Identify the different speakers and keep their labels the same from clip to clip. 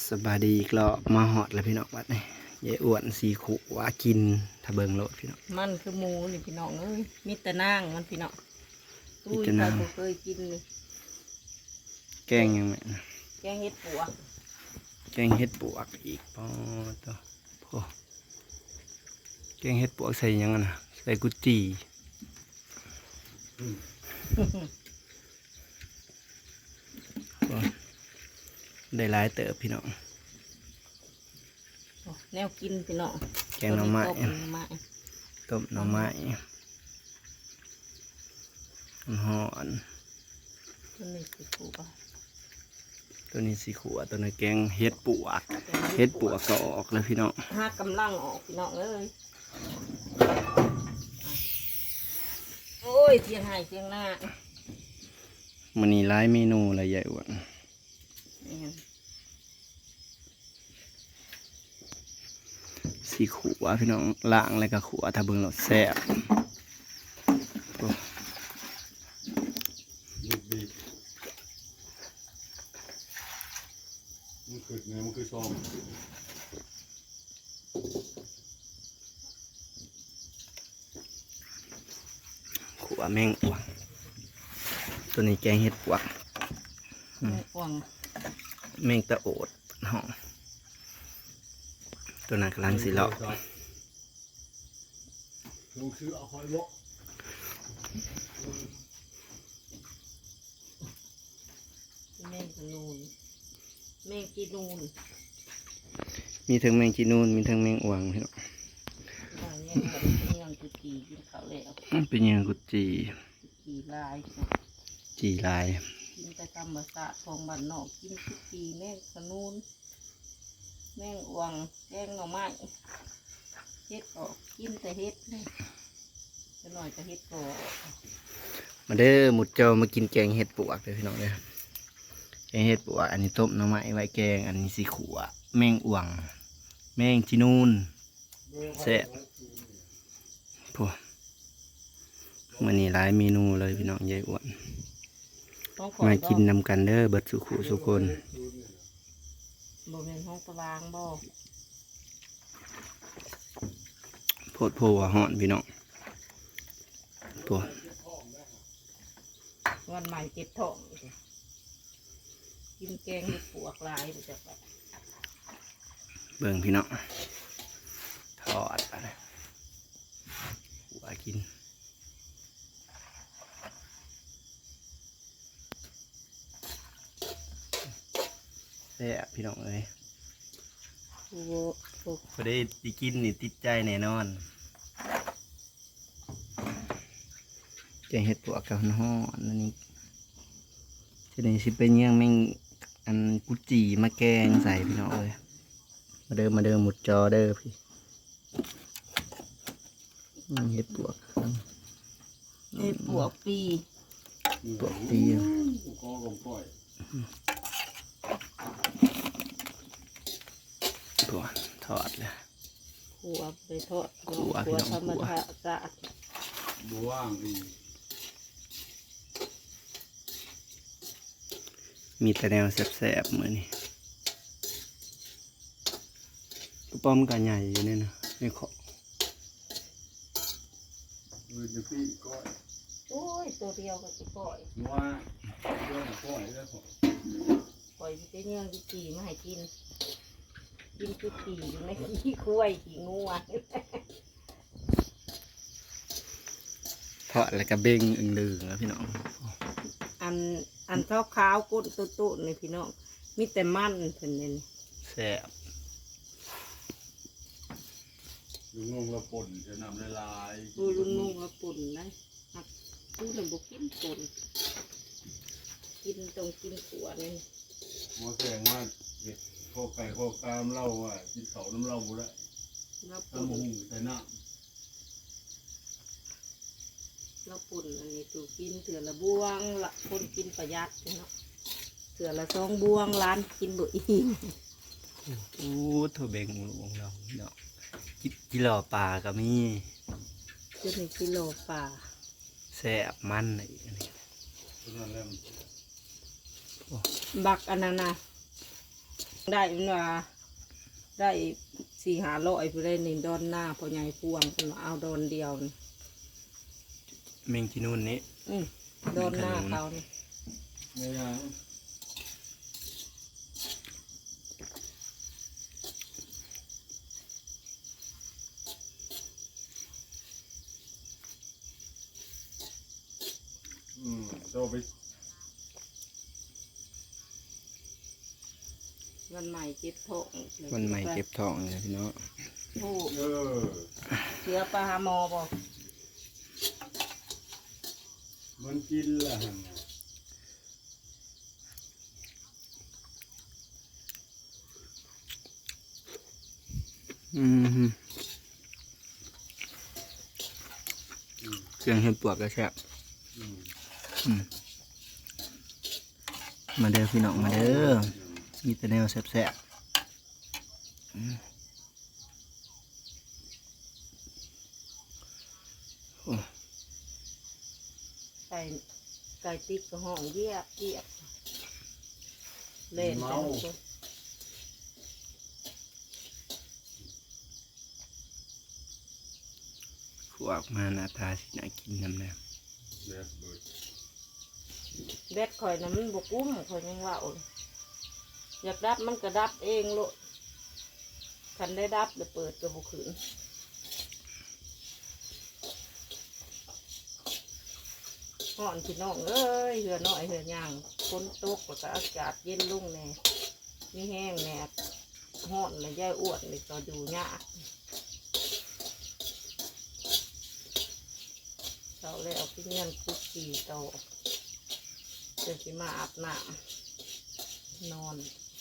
Speaker 1: สบายดีอีกรอบมาหอดแล้วพี่น้องบัดนี่ยายอ้วนสีขวากินถ้าเบิ่งโลดพี่น้อง
Speaker 2: มันคือหมูนี่พี่น้องเอ้ยมีแต่นางมันพี่น้องอุ้ย
Speaker 1: มีแต่
Speaker 2: ใคร
Speaker 1: นาง
Speaker 2: บ่เคยกินเลย
Speaker 1: แกงยังไงนะ
Speaker 2: แกงเห็ดปัว
Speaker 1: แกงเห็ดปวกอีกปอตัวโอ้แกงเห็ดปวกใส่หยังอะนะใส่กุจีโอ้ได้หลายเติบพี่น้อง
Speaker 2: โอ้แนวกินพี่น้อง
Speaker 1: แกงหน่อไม้
Speaker 2: ต้หน่อไม้
Speaker 1: ต้มหน่อไม้หอน
Speaker 2: ตัวนี้คือปัว
Speaker 1: ตัวนี้สีขวตัวนี้แกงเห็ดปวกเห็ดปวกก็ออกแล้วพี่น้อง
Speaker 2: ห้ากำลังออกพี่น้องเอ้ยโอ้ยเทียงไห้เทียงหน้า
Speaker 1: มันนี่หลายเมนูเลยยายอ้วน
Speaker 2: นี่
Speaker 1: สีขวพี่น้องล่างแล้วก็ขวถ้าเบิ่งเราแซ่บโอ้
Speaker 3: บีบมันคือไงมันคือซอง
Speaker 1: ขวแมงอ่วงตัวนี้แกงเห็ดปวก
Speaker 2: แม่อ่วง
Speaker 1: แมงตะโอดห้องตัวนั้นกำลังสีเลาะ
Speaker 3: ลงซื้อเอาหอยเลาะ
Speaker 2: แม่งขนูนแม่งกีนูน
Speaker 1: มีทั้งแมงจีนูนมีทั้งแมงอ่วงพี่น้อง
Speaker 2: ว่าเนี่ยเป็นยังคือกีกินข้าวแล้ว
Speaker 1: เป็นยังกุจี
Speaker 2: กีลาย
Speaker 1: จีลาย
Speaker 2: กินไปธรรมศาสตร์ของบ้านนอกกินทุกปีแม่งขนูนแม่งอ่วงแกงหน่อไม้เฮ็ดออกกินแต่เฮ็ดเลยจะหน่อยก็เฮ็ดก่อ
Speaker 1: มาเด้อหมุดเจ้ามากินแกงเห็ดปวกเลยพี่น้องเด้อแกงเห็ดปวกอันนี้ต้มหน่อไม้ไว้แกงอันนี้สีขวแมงอ่วงแมงจีนูนแซ่บพวกมันนี่หลายเมนูเลยพี่น้องยายอ้วน
Speaker 2: ต้องขอ
Speaker 1: มา
Speaker 2: บ
Speaker 1: กินนำกันเด้อเบิดสุขุสุคน
Speaker 2: บ่เป็นห้องตารางบ่
Speaker 1: โพดโพว่าฮ้อนพี่น้องตัว
Speaker 2: วันใหม่เก็บท้องกินแกงเห็ดปวกลายไปจากไป
Speaker 1: เบิ่งพี่น้องทอดไปเลยหัวกินแซ่บพี่น้องเอ้ย
Speaker 2: โอ้โห
Speaker 1: พอได้สิกินนี่ติดใจแน่นอนแกงเห็ดปวกกับฮ้อนอันนี้ทีนี้สิเป็นยังแม่งอันกุจีมาแกงใส่พี่น้องเอ้ยมาเด้อหมุดจอเด้อพี่เห็ดปวก
Speaker 2: เห็ดปวกปี
Speaker 1: ปวกปี
Speaker 3: ก็ลงปล่อย
Speaker 1: ตัวทอดเลย
Speaker 2: ขัวไปทอด
Speaker 1: ขัวพี่
Speaker 2: ขัว
Speaker 1: น้อง
Speaker 2: ธรรม
Speaker 1: ขัว
Speaker 2: ชาติ
Speaker 3: บัวว่างดี
Speaker 1: มีแต่แนวแสบๆเหมือนนี่กระป้อมกันใหญ่อยู่เนี่ยนะไม่ขอ
Speaker 3: มือจะพี่ก้อย
Speaker 2: โอ้ยตัวเดียวก็สิปล่อย
Speaker 3: นัวเรื่องก้อยแล้วผม
Speaker 2: ปล่อยไปเนื่องที่จีมาให้กินกินคือจีอยู่ในขี้คุ้ยขี้งัว
Speaker 1: ทอดแล้วก็เบ่งอึ่งลืงแล้วพี่น้อง
Speaker 2: อันขาวๆก้นตุ้ๆนี่พี่น้องมีแต่มันเพิ่นนี่
Speaker 1: แซ่บ
Speaker 3: ลุงงงละป่นจะนำละลาย
Speaker 2: ดูลุงนุ่งแล้วปุ่นได้หักดูหนึ่งบุกินปุ่นกินตรงกินขัวนี่
Speaker 3: หมอแสงว่าเห็ดโคไก่โคกามเล่าว่ากินเขาน้ำเล่าบุได้
Speaker 2: แล้ว
Speaker 3: น้ำ
Speaker 2: ปุ่น
Speaker 3: หุ่งใส่น้
Speaker 2: แล้วปุ่นอันนี้ตูกินเถื่อละบวงละคนกินประหยัดเนาะเถื่อละ2 บวงร้านกินบ่อิ่ม
Speaker 1: อู้ถั่วเบ่งหลวงเราพี่น้องกิโลปลาก็มี
Speaker 2: จะมีกิโลป่า
Speaker 1: แซ่บมันอีกอันนี้
Speaker 3: ำตัวนั้นแล้ว
Speaker 2: บักอันนั้นนะได้มาได้4-500ไปได้ในดอนหน้าพอใหญ่พวงเป็นเอาดอนเดียวนี่
Speaker 1: แมงจีนูนนี้
Speaker 2: ดอนหน้าเขานี่
Speaker 3: ไม่ยังโตไป
Speaker 2: วันใหม่เจ็บท้อง
Speaker 1: วันใหม่เก็บทองเลยพี่น้อง
Speaker 2: โอ้
Speaker 3: เ
Speaker 2: เสือปลาหาหมอบ่
Speaker 3: มันกินละหันน่ะ
Speaker 1: เครื่องเห็ดปวกก็แซ่บ มาเด้อพี่น้องมาเด้อมีแต่แนวแซ่บโอ้
Speaker 2: ใส่ไก่ติ๊กกับห้องเยียบเล่นไปลูก
Speaker 1: ขวกมาหน้าตาสิน่ากินน้ำแน่
Speaker 3: แบบเบิด
Speaker 2: แบดข่อยน่ะมันบกุ้มข่อยยังว่าอยากดับมันก็ดับเองโลดคันได้ดับเลยเปิดกระบุขืนห่อนพี่น้องเอ้ยเหือน้อยเหือย่างฝนตกแล้วก็อากาศเย็นลุ่งแน่มีแห้งแน่ห่อนเลยย่ายอ้วนเลยก็ดูยากเราเลยเอาพี่เงี้ยนคุกกี้โตจะสิมาอาบน้ำนอน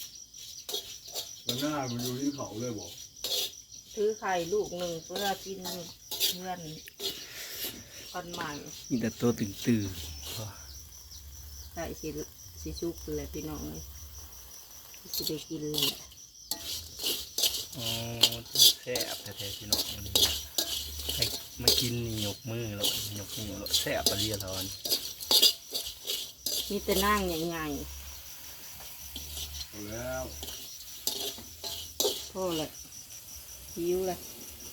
Speaker 3: วันหน้ามันอยู่ที่เขาเลยบอก
Speaker 2: ถือไข่ลูกหนึ่งเพื่อกินเพื่อนคนใหม่
Speaker 1: มีแต่ตัวตื่น
Speaker 2: ใส่สิชุกเลยพี่น้องเลยสิได้กินเลย
Speaker 1: ๆอ๋อแซ่บแท้ๆพี่น้องวันนี้ให้มากินนี่ยกมือแล้วยกมือแล้วแซ่บปะเรียร้อน
Speaker 2: มีแต่นั่งใหญ่
Speaker 3: เอาแล้ว
Speaker 2: ๆพ่อเลยหิวเลย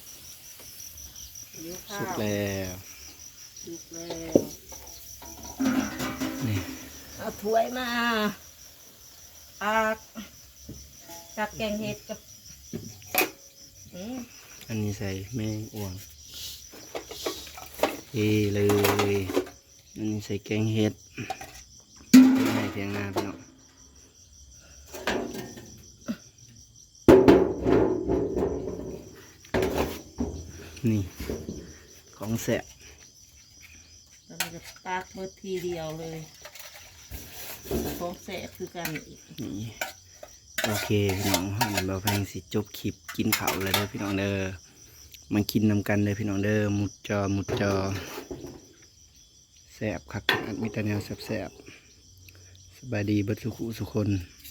Speaker 2: หิวข้า
Speaker 1: สุก
Speaker 2: ว
Speaker 1: แล้ว
Speaker 2: สุกแล้ว
Speaker 1: นี่
Speaker 2: เอาถ้วยมาตักแกงเห็ดกับ
Speaker 1: อันนี้ใส่แมงอ่วงเทเลย อันนี้ใส่แกงเห็ดให้เทียงหน้าพี่น้องนี่ของแสบ
Speaker 2: แล้วมันจะตักเบิดทีเดียวเลยของแสบคือกันอีก
Speaker 1: นี่โอเคพี่น้องมันเราแพงสิจบคลิปกินข้าวเลยเด้อพี่น้องเด้อมากินนำกันเลยพี่น้องเด้อหมุดจอแสบคักขนาดมีแต่แนวแสบๆสบายดีเบิดสุขุสุคน